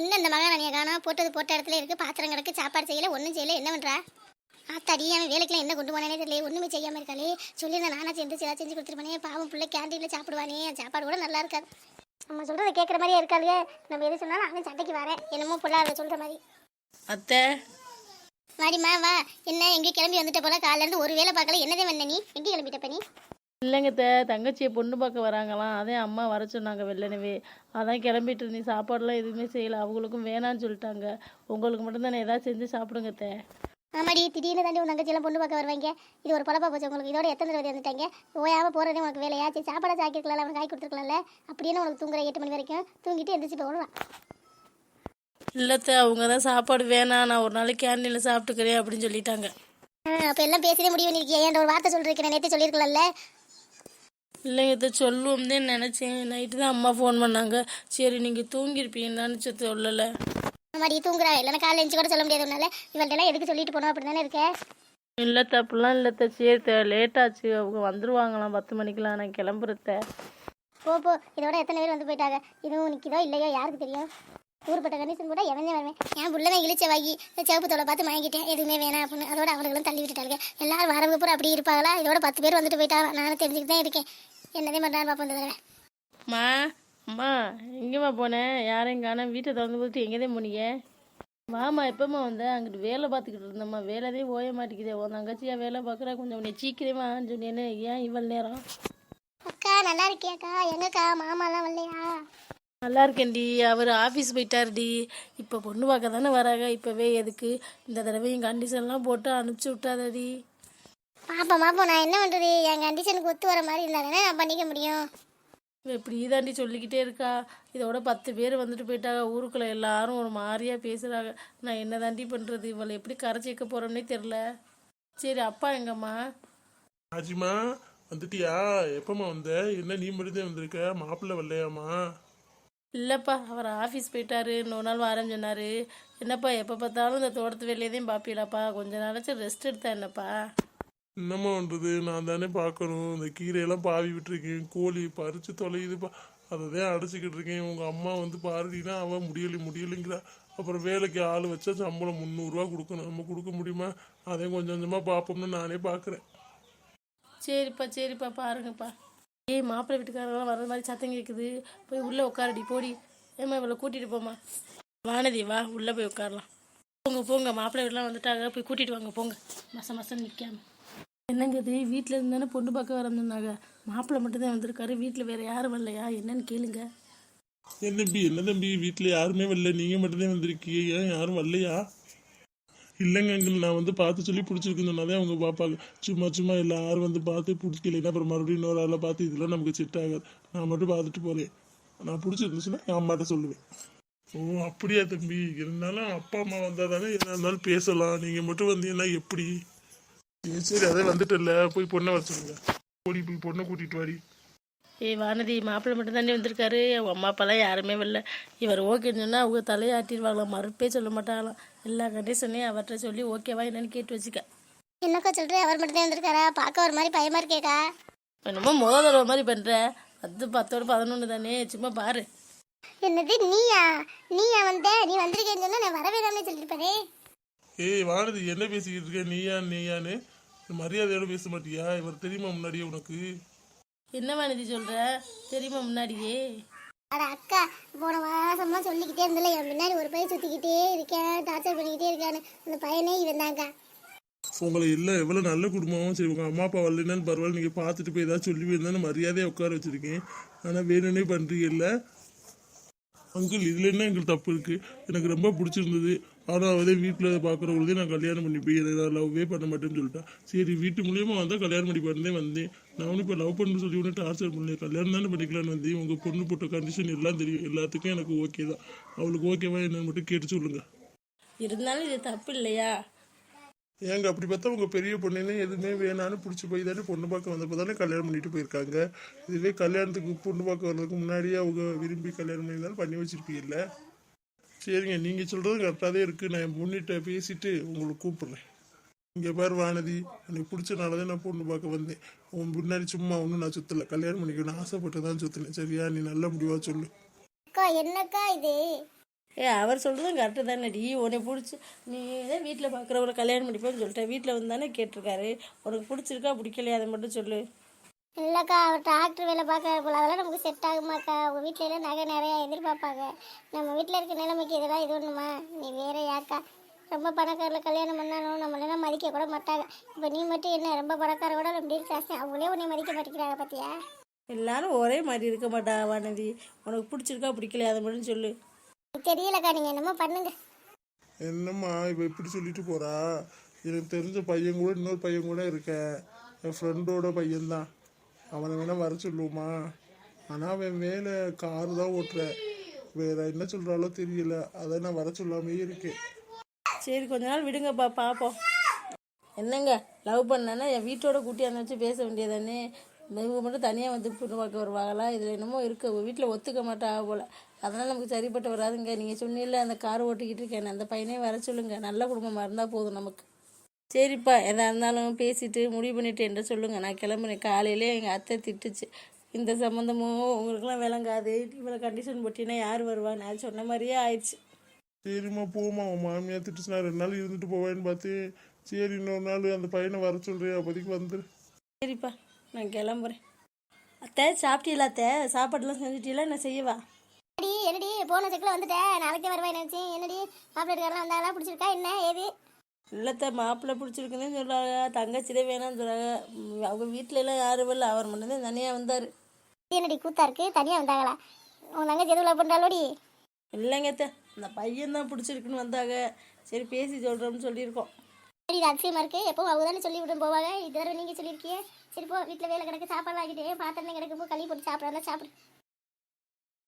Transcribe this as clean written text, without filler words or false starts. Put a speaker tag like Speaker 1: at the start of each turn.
Speaker 1: என்ன இந்த மகாராணியை காணோம்? போட்டது போட்ட இடத்துல இருக்கு, பாத்திரம் கிடக்கு, சாப்பாடு செய்யல, ஒன்றும் செய்யல, என்ன பண்றா? ஆத்தாடி, அவன் வேலைக்கெல்லாம் என்ன கொண்டு போனானே தெரியல, ஒண்ணுமே செய்யாம இருக்காளே. சொல்லியிருந்தேன் நானா சேர்ந்து செஞ்சு கொடுத்துருப்பானே, பாவம் பிள்ளை கேண்டீன்ல சாப்பிடுவானே, சாப்பாடு கூட நல்லா இருக்காது. நம்ம சொல்றதை கேட்குற மாதிரியே இருக்காளுங்க. நம்ம எது சொன்னாலும் அவன் சண்டைக்கு வரேன், என்னமோ புள்ள அதை சொல்ற மாதிரி.
Speaker 2: அத்தை
Speaker 1: வாடிம்மா வா. என்ன எங்கே கிளம்பி வந்துட்ட போல? காலையில இருந்து ஒரு வேலை பார்க்கல, என்னதே வந்த நீ? எங்கே கிளம்பிட்டப்ப நீ?
Speaker 2: இல்லைங்க அத்தை, தங்கச்சியை பொண்ணு பார்க்க வராங்களாம், அதே அம்மா வர சொன்னாங்க வெள்ளனவே. அதான் கிளம்பிட்டு இருந்தேன். சாப்பாடுலாம் எதுவுமே செய்யலை, அவங்களுக்கும் வேணான்னு சொல்லிட்டாங்க. உங்களுக்கு மட்டும்தானே ஏதாவது செஞ்சு சாப்பிடுங்க அத்தை.
Speaker 1: ஆமாடி, திடீர்னு தாண்டி உன் தங்கச்சியெல்லாம் பொண்ணு பார்க்க வருவாங்க. இது ஒரு பொழப்பா போச்சு உங்களுக்கு. இதோட எத்தனை தடவை வந்துட்டாங்க? ஓயாமல் போகிறதே உனக்கு வேலையா? சரி, சாப்பாடை சாக்கிருக்கலாம், அவன் காய் கொடுத்துருக்கலாம்ல. அப்படின்னு உனக்கு தூங்குற 8 மணி வரைக்கும் தூங்கிட்டு எந்திரிச்சு போகலாம்.
Speaker 2: இல்லத்த, அவங்க தான் சாப்பாடு வேணாம், நான் ஒரு நாளைக்கு கேண்டீனில் சாப்பிட்டுக்கிறேன் அப்படின்னு சொல்லிட்டாங்க.
Speaker 1: அப்போ எல்லாம் பேசியே முடிவு பண்ணிருக்கியா? என்ற ஒரு வார்த்தை சொல்லிருக்கேன், நேற்று சொல்லியிருக்கலாம்ல.
Speaker 2: இல்லைங்க இதை சொல்லுவோம் தான் நினச்சேன். நைட்டு தான் அம்மா ஃபோன் பண்ணாங்க. சரி நீங்கள் தூங்கியிருப்பீங்கன்னு நினச்சது சொல்லலை.
Speaker 1: மாதிரி தூங்குறா, இல்லைன்னா காலையில் எஞ்சி கூட சொல்ல முடியாது உன்னால. இவள்கிட்ட எதுக்கு சொல்லிட்டு போனோம் அப்படி தானே இருக்க?
Speaker 2: இல்லை அப்படிலாம் இல்லைத்த. சரி லேட்டாச்சு, அவங்க வந்துருவாங்களாம் 10 மணிக்கெலாம், நான் கிளம்புறத்த.
Speaker 1: போ போ, இதோட எத்தனை பேர் வந்து போயிட்டாங்க. இதுவும் நிற்கிதோ இல்லையோ யாருக்கு தெரியும்? ஊருப்பட்ட கண்டிஷன் கூட எவனே வருவேன். என் புள்ளதான் இழிச்ச வாங்கி சிவப்பு தோலை பார்த்து வாங்கிட்டேன், எதுவுமே வேணாம் அப்படின்னு. அதோட அவங்களும் தள்ளி விட்டுட்டாங்க. எல்லாரும் வரவங்க பூரா அப்படி இருப்பாங்களா? இதோட 10 பேர் வந்துட்டு போயிட்டாங்க. நானும் தெரிஞ்சுக்கிட்டு தான் இருக்கேன். என்னதே பண்ணுறான்னு பார்ப்போம் இந்த தடவை.
Speaker 2: அம்மா அம்மா எங்கேம்மா போனேன்? யாரையும் காணோம். வீட்டை திறந்து போட்டு எங்கேதான் போனீங்க? வாமா, எப்போம்மா வந்தேன்? அங்கிட்டு வேலை பார்த்துக்கிட்டு இருந்தம்மா. வேலைதே ஓய மாட்டேங்குதே. உன் தங்கச்சியா வேலை பார்க்குறா, கொஞ்சம் உன்னை சீக்கிரமான்னு சொன்னேன்னு. ஏன் இவ்வளோ நேரம்?
Speaker 1: அக்கா நல்லா இருக்கியாக்கா? எங்கக்கா மாமாலாம் வரலையா?
Speaker 2: நல்லா இருக்கேன்டி. அவர் ஆஃபீஸ் போயிட்டாருடி. இப்போ பொண்ணு பார்க்க தானே வராங்க. இப்போவே எதுக்கு? இந்த தடவையும் கண்டிஷன்லாம் போட்டு அனுப்பிச்சி விட்டாதடி.
Speaker 1: பாப்பா நான் என்ன பண்ணுறது? என் கண்டிஷனுக்கு ஒத்து வர மாதிரி இருந்தாங்கன்னா நான் பண்ணிக்க முடியும்.
Speaker 2: இப்படி தாண்டி சொல்லிக்கிட்டே இருக்கா. இதோட 10 பேர் வந்துட்டு போயிட்டாங்க. ஊருக்குள்ளே எல்லாரும் ஒரு மாதிரியாக பேசுகிறாங்க. நான் என்ன தாண்டி பண்ணுறது? இவளை எப்படி கரைச்சி வைக்க போகிறோன்னே தெரில. சரி, அப்பா எங்கம்மா?
Speaker 3: ஆஜிமா வந்துட்டியா? எப்பம்மா வந்த? என்ன நீ மட்டும்தான் வந்திருக்க? மாப்பிள்ளை வரலையாம்மா?
Speaker 2: இல்லைப்பா, அவர் ஆஃபீஸ் போயிட்டாரு. இன்னொரு நாள் வரேன்னு சொன்னார். என்னப்பா எப்போ பார்த்தாலும் இந்த தோட்டத்து வேலையதையும் பார்ப்பீங்களாப்பா? கொஞ்ச நாளாச்சும் ரெஸ்ட் எடுத்தா என்னப்பா?
Speaker 3: என்னம்மா பண்ணுறது? நான் தானே பார்க்கணும். இந்த கீரையெல்லாம் பாவி விட்டுருக்கேன். கோழி பறித்து தொலையுதுப்பா, அதை தான் அடைச்சிக்கிட்டு இருக்கேன். உங்கள் அம்மா வந்து பாருடினா அவன் முடியலைங்கிறா. அப்புறம் வேலைக்கு ஆள் வச்சா சம்பளம் 300 கொடுக்கணும். நம்ம கொடுக்க முடியுமா? அதையும் கொஞ்சம் கொஞ்சமாக பார்ப்போம்னு நானே பார்க்குறேன்.
Speaker 2: சரிப்பா பாருங்கப்பா. ஏய், மாப்பிள்ளை வீட்டுக்காரங்களாம் வர்ற மாதிரி சத்தம் கேட்குது. போய் உள்ளே உட்காரடி, போடி. ஏம்மா இவளை கூட்டிகிட்டு போமா. வானதி வா, உள்ளே போய் உட்காரலாம். போங்க, மாப்பிள்ளை வீட்டுலாம் வந்துட்டாங்க, போய் கூட்டிகிட்டு வாங்க, போங்க. மசம் நிற்காம. என்னங்க இது? வீட்டில் இருந்தானே பொண்ணு பார்க்க வரணுன்னாங்க. மாப்பிள்ளை மட்டும்தான் வந்திருக்காரு, வீட்டில் வேறு யாரும் வரலையா? என்னன்னு கேளுங்க.
Speaker 3: என்ன தம்பி வீட்டில் யாருமே வரல, நீங்கள் மட்டும்தான் வந்திருக்கீங்க, ஏன் யாரும் வரலையா? இல்லைங்க அங்கிள், நான் வந்து பார்த்து சொல்லி பிடிச்சிருக்குன்னு சொன்னாலே அவங்க பார்ப்பாங்க. சும்மா எல்லாரும் வந்து பார்த்து பிடிக்கலைன்னா அப்புறம் மறுபடியும் இன்னொரு ஆளை பார்த்து இதெல்லாம் நமக்கு செட் ஆகாது. நான் மட்டும் பார்த்துட்டு போகிறேன். நான் பிடிச்சிருந்துச்சுன்னா என் அம்மாட்ட சொல்லுவேன். ஓ அப்படியா தம்பி? இருந்தாலும் அப்பா அம்மா வந்தால் தானே எதாக இருந்தாலும் பேசலாம். நீங்கள் மட்டும் வந்தீங்கன்னா எப்படி? சரி அதே வந்துட்டல, போய் பொண்ணை வர சொல்லுங்க. ஓடி போய் பொண்ணை கூட்டிகிட்டு வாடி.
Speaker 2: ஏய் வானதி, மாப்பிள்ளை மட்டும் தானே வந்திருக்காரு, அவங்க அம்மா அப்பாலாம் யாருமே வரல. இவர் ஓகேன்னு சொன்னால் அவங்க தலையாட்டிடுவாங்களாம், மறுப்பே சொல்ல மாட்டாங்களாம். எல்லா கண்டிஷனையும் அவர்கிட்ட சொல்லி ஓகேவா என்னன்னு கேட்டு வச்சுக்க.
Speaker 1: என்னக்கா சொல்கிறேன்? அவர் மட்டும் தான் வந்திருக்காரா? பார்க்க ஒரு மாதிரி பயமாக இருக்கேக்கா.
Speaker 2: என்னமோ முதல் தடவை மாதிரி பண்ணுற. அது 10 11 தானே, சும்மா பாரு.
Speaker 1: என்னது நீயா வந்த? நீ வந்திருக்கேன்னு சொன்னா நான் வரவேறாமே சொல்லியிருப்பாரே.
Speaker 3: ஏய் வானதி, என்ன பேசிக்கிட்டு இருக்க? நீயான்னு மரியாதையோட பேச மாட்டியா? இவர் தெரியுமா முன்னாடியே உனக்கு?
Speaker 2: என்ன வானதி சொல்கிற? தெரியுமா முன்னாடியே?
Speaker 1: அட அக்கா, போன மாசமா சொல்லிக்கிட்டே இருந்தல, என் முன்னாடி ஒரு பையன் சுற்றிக்கிட்டே இருக்கேன், டார்ச்சர் பண்ணிக்கிட்டே இருக்கான்னு. அந்த பையனே இவன் தாங்க.
Speaker 3: உங்களை இல்லை எவ்வளோ நல்ல குடும்பமும் சரி, உங்கள் அம்மா அப்பா வரலன்னு பரவாயில்ல, நீங்கள் பார்த்துட்டு போய் ஏதாவது சொல்லி இருந்தாலும் மரியாதையாக உட்கார வச்சுருக்கேன். ஆனால் வேணும்னே பண்ணுறீங்கல்ல அங்கிள். இதில் என்ன எங்களுக்கு தப்பு இருக்குது? எனக்கு ரொம்ப பிடிச்சிருந்தது. ஆனால் அவதே வீட்டில் பார்க்குறவங்களதே நான் கல்யாணம் பண்ணி போய் நான் லவ்வே பண்ண மாட்டேன்னு சொல்லிட்டேன். சரி வீட்டு மூலியமாக வந்தால் கல்யாணம் பண்ணி பண்ணே வந்தேன். நான் ஒன்றும் இப்போ லவ் பண்ணு சொல்லி ஒன்று டார்ச்சர் பண்ணேன். கல்யாணம் தானே பண்ணிக்கலான்னு வந்தேன். உங்கள் பொண்ணு போட்ட கண்டிஷன் எல்லாம் தெரியும், எல்லாத்துக்கும் எனக்கு ஓகே தான். அவளுக்கு ஓகேவா என்னன்னு மட்டும் கேட்டு சொல்லுங்கள்.
Speaker 2: இருந்தாலும் இது தப்பு இல்லையா?
Speaker 3: ஏங்க அப்படி பார்த்தா உங்கள் பெரிய பொண்ணுன்னு எதுவுமே வேணான்னு பிடிச்சி போய் தானே பொண்ணு பார்க்க வந்தப்போ தானே கல்யாணம் பண்ணிட்டு போயிருக்காங்க. இதுவே கல்யாணத்துக்கு பொண்ணு பார்க்க வர்றதுக்கு முன்னாடியே அவங்க விரும்பி கல்யாணம் பண்ணியிருந்தாலும் பண்ணி வச்சுருப்பீங்கல்ல. சரிங்க, நீங்கள் சொல்கிறது கரெக்டாக தான் இருக்குது. நான் என் பொண்ணிட்ட பேசிவிட்டு உங்களுக்கு கூப்பிட்றேன். இங்கே பாரு வானதி, எனக்கு பிடிச்சனால தான் நான் பொண்ணு பார்க்க வந்தேன். உன் முன்னாடி சும்மா ஒன்றும் நான் சுற்றலை. கல்யாணம் பண்ணிக்கணும்னு ஆசைப்பட்டு தான் சுற்றினேன். சரியா? நீ நல்ல முடிவாக சொல்லு.
Speaker 1: அக்கா என்னக்கா இது?
Speaker 2: அவர் சொல்கிறதும் கரெக்டு தானேடி. உன்னை பிடிச்சி நீ தான் வீட்டில் பார்க்குறவரை கல்யாணம் பண்ணிப்போன்னு சொல்லிட்டேன். வீட்டில் வந்து தானே கேட்டிருக்காரு. உனக்கு பிடிச்சிருக்கா பிடிக்கலையா அதை மட்டும் சொல்லு.
Speaker 1: இல்லைக்கா அவர் டாக்டர் வேலை பார்க்க போல அதெல்லாம் நமக்கு செட் ஆகுமாக்கா? அவங்க வீட்டில எல்லாம் நகை நிறையா எதிர்பார்ப்பாங்க. நம்ம வீட்டில் இருக்க நிலைமைக்கு இதெல்லாம் இது ஒன்றுமா? நீ வேற யாக்கா? ரொம்ப பணக்காரில் கல்யாணம் பண்ணாலும் நம்மளெல்லாம் மதிக்க கூட மாட்டாங்க. இப்போ நீ மட்டும் என்ன ரொம்ப பணக்கார கூட ரொம்ப ஜாஸ்தி, அவங்களே உன்னை மதிக்க மாட்டேங்கிறாங்க பார்த்தியா?
Speaker 2: எல்லாரும் ஒரே மாதிரி இருக்க மாட்டா வானதி. உனக்கு பிடிச்சிருக்கா பிடிக்கலையா அதை மட்டும் சொல்லு.
Speaker 1: தெரியலக்கா, நீங்கள் என்னமோ பண்ணுங்க.
Speaker 3: என்னம்மா இவ இப்படி சொல்லிட்டு போறா? எனக்கு தெரிஞ்ச பையன் கூட இன்னொரு பையன் கூட இருக்க, என் ஃப்ரெண்டோட பையன்தான். அவனை வேணா வர சொல்லுவோமா? ஆனால் அவன் வேலை காரு தான் ஓட்டுற, வேற என்ன சொல்கிறாலோ தெரியல, அதை நான் வர சொல்லாமே இருக்கேன்.
Speaker 2: சரி கொஞ்ச நாள் விடுங்கப்பா, பார்ப்போம். என்னங்க லவ் பண்ணானா என் வீட்டோட கூட்டியாந்து வச்சு பேச வேண்டியதானே. இவங்க மட்டும் தனியாக வந்து பொண்ணு பார்க்க வருவாங்களா? இதில் என்னமோ இருக்குது, வீட்டில் ஒத்துக்க மாட்டா போல். அதனால் நமக்கு சரிப்பட்டு வராதுங்க. நீங்கள் சொன்னீங்கல்ல அந்த கார் ஓட்டிக்கிட்டு இருக்கேன், அந்த பையனே வர சொல்லுங்கள். நல்ல குடும்பமாக இருந்தால் போதும் நமக்கு. சரிப்பா, எதாக இருந்தாலும் பேசிட்டு முடிவு பண்ணிட்டு என்ன சொல்லுங்கள். நான் கிளம்புனேன். காலையிலே எங்கள் அத்தை திட்டுச்சு, இந்த சம்மந்தமும் உங்களுக்குலாம் விளங்காது, இவ்வளோ கண்டிஷன் போட்டினா யார் வருவா? நான் சொன்ன மாதிரியே ஆயிடுச்சு.
Speaker 3: சரிம்மா போமா, உன் மாமியார் திட்டுச்சுனா 2 நாள் இருந்துட்டு போவேன்னு பார்த்து, சரி இன்னொரு நாள் அந்த பையனை வர சொல்கிறேன், அப்போதைக்கு வந்துரு.
Speaker 2: சரிப்பா, நான் கிளம்புறேன். அத்தை சாப்பிட்டீங்களா? அத்தை சாப்பாடுலாம் செஞ்சுட்டீங்களா? என்ன செய்யவா?
Speaker 1: என்னடி போன செக்கில் வந்துட்டேன், நாளைக்கே வருவேன் நினச்சேன். என்னடி மாப்பிள்ளை இருக்காரெல்லாம் வந்தாங்களா? பிடிச்சிருக்கா என்ன ஏது?
Speaker 2: இல்லத்த மாப்பிள்ளை பிடிச்சிருக்குன்னு சொல்கிறாங்க, தங்கச்சி தான் வேணாம்னு சொல்கிறாங்க. அவங்க வீட்டில எல்லாம் யாரும் இல்லை, அவர் மட்டும்தான் தனியாக வந்தார்.
Speaker 1: என்னடி கூத்தா இருக்கு, தனியாக வந்தாங்களா? உன் தங்கச்சி எதுவும் லவ் பண்ணுறாளோடி?
Speaker 2: இல்லைங்க அத்தை, அந்த பையன் தான் பிடிச்சிருக்குன்னு வந்தாங்க. சரி பேசி சொல்கிறோம்னு சொல்லியிருக்கோம்.
Speaker 1: சரி இது அதிசயமாக இருக்குது, எப்போ அவங்க தானே சொல்லி விட்டு போவாங்க, இதுவரை நீங்கள் சொல்லியிருக்கீங்க. சரி போ, வீட்டில் வேலை கிடக்கு, சாப்பாடு ஆகிட்டே பாத்திரம் கிடக்கு, போ கழுவி போட்டு சாப்பிட்றதா சாப்பிடு.